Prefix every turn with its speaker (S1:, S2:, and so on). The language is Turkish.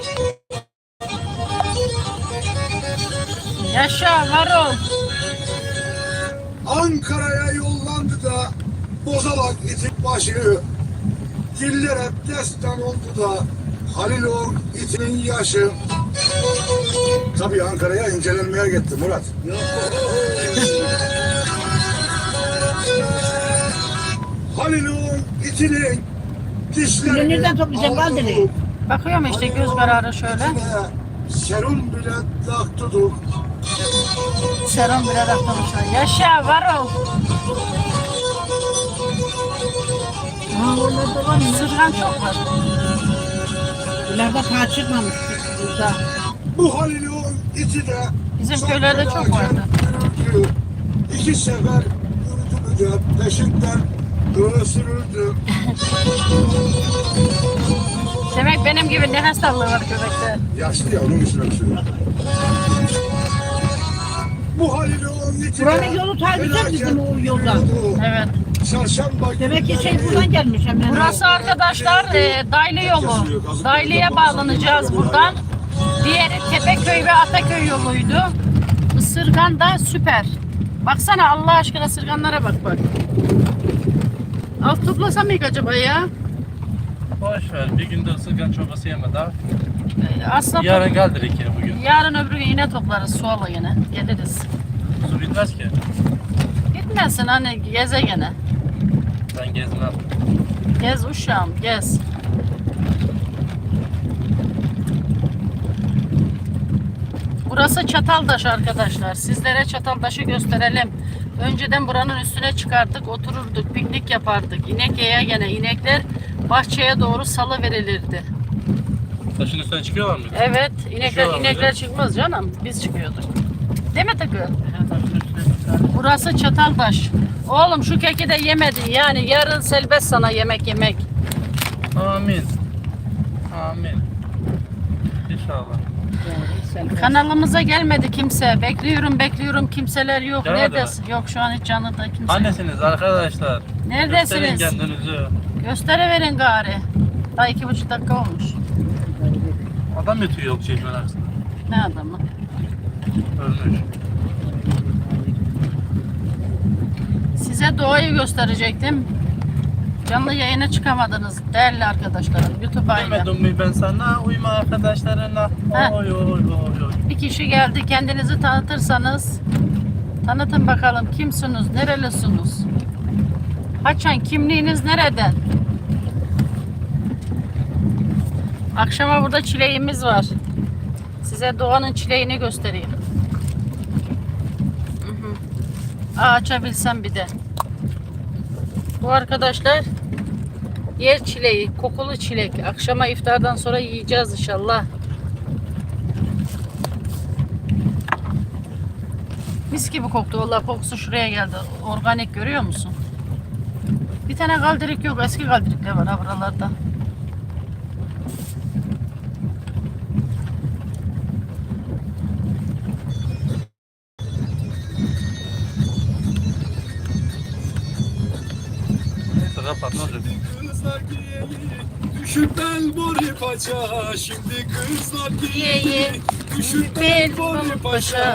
S1: Yaşa Varol.
S2: Ankara'ya yollandı da Bozalak itin başı. Diller hep destan oldu da Halil o itinin yaşı. Tabii Ankara'ya incelenmeye gitti Murat. Halil o itinin dişlerini
S3: Nereden toplayacaksın Kaldır'ı?
S1: Bakıyorum işte göz kararı şöyle.
S2: Serum bile taktıdır.
S1: Serum bile takmamışlar. Yaşa Varol.
S3: Orada var mı?
S1: Sırgan çok var.
S3: İleride ta çıkmamış burada.
S2: Bu Halil o iti de
S1: Bizim köylerde çok vardı.
S2: yürüdü. İki sefer yürüdü de peşinden ısırıldı.
S1: Demek benim gibi ne hastalığı var köpekte.
S2: Yaşlı ya onun için öksürüyor. Bu Halil o iti de
S3: Buranın yolu ta güzel bizim o yoldan.
S1: Evet.
S2: Çarşamba
S3: Demek ki şey buradan gelmiş hemen.
S1: Burası arkadaşlar Daylı yolu. Daylı'ya bağlanacağız buradan. Diğeri Tepeköy ve Ataköy yoluydu. Isırgan da süper. Baksana Allah aşkına ısırganlara bak. Alt toplasam mıyım acaba ya?
S4: Boş ver. Bir günde ısırgan çorbası yeme daha.
S1: Aslında
S4: Yarın gel direkt ya bugün.
S1: yarın öbür gün yine toplarız suala yine. Geliriz.
S4: Su bitmez ki.
S1: Gitmesin hani geze gene.
S4: Ben gezmem.
S1: Gez uşağım gez. Burası Çataldaş arkadaşlar. Sizlere Çataldaş'ı gösterelim. Önceden buranın üstüne çıkardık, otururduk, piknik yapardık. İnek yaya gene inekler bahçeye doğru salı verilirdi.
S4: Taşın üstüne çıkıyorlar mı?
S1: Evet,
S4: Çıkıyorlar
S1: inekler
S4: mıydı?
S1: çıkmaz canım. Biz çıkıyorduk. Değil mi Takı?
S4: Taşın üstüne çıkar.
S1: Burası Çataldaş. Oğlum şu keki de yemedin. Yani yarın selbest sana yemek yemek.
S4: Amin. Amin. İnşallah.
S1: Kanalımıza gelmedi kimse. Bekliyorum kimseler yok.
S4: Gelmedi
S1: Neredesin? Yok şu an hiç canlıda kimse yok.
S4: Annesiniz arkadaşlar.
S1: Neredesiniz?
S4: Gösterin kendinizi.
S1: Gösteriverin gari. Daha 2,5 dakika olmuş.
S4: Adam yatıyor yok çeşmenin aksine.
S1: Ne adamı?
S4: Ölmüş.
S1: Size doğayı gösterecektim. Canlı yayına çıkamadınız değerli arkadaşlarım. YouTube'a ile.
S4: Demedim mi ben sana uyma arkadaşlarına.
S1: Heh.
S4: Oy oy oy oy.
S1: Bir kişi geldi. Kendinizi tanıtırsanız tanıtın bakalım kimsiniz, nerelisiniz? Haçan kimliğiniz nereden? Akşama burada çileğimiz var. Size doğanın çileğini göstereyim. Hı hı. Açabilsem bir de. Bu arkadaşlar yer çileği, kokulu çilek. Akşama iftardan sonra yiyeceğiz inşallah. Mis gibi koktu. Vallahi kokusu şuraya geldi. Organik görüyor musun? Bir tane kaldirik yok. Eski kaldirikler var ha buralarda.
S4: Neyse kapat ne olacak?
S2: Kızlar giyeli, düşüp bel bori paça. Şimdi kızlar
S1: Ye, ye.
S2: giyeli, düşüp
S1: Bel
S2: bel bori
S1: bori
S2: paça.
S1: paça.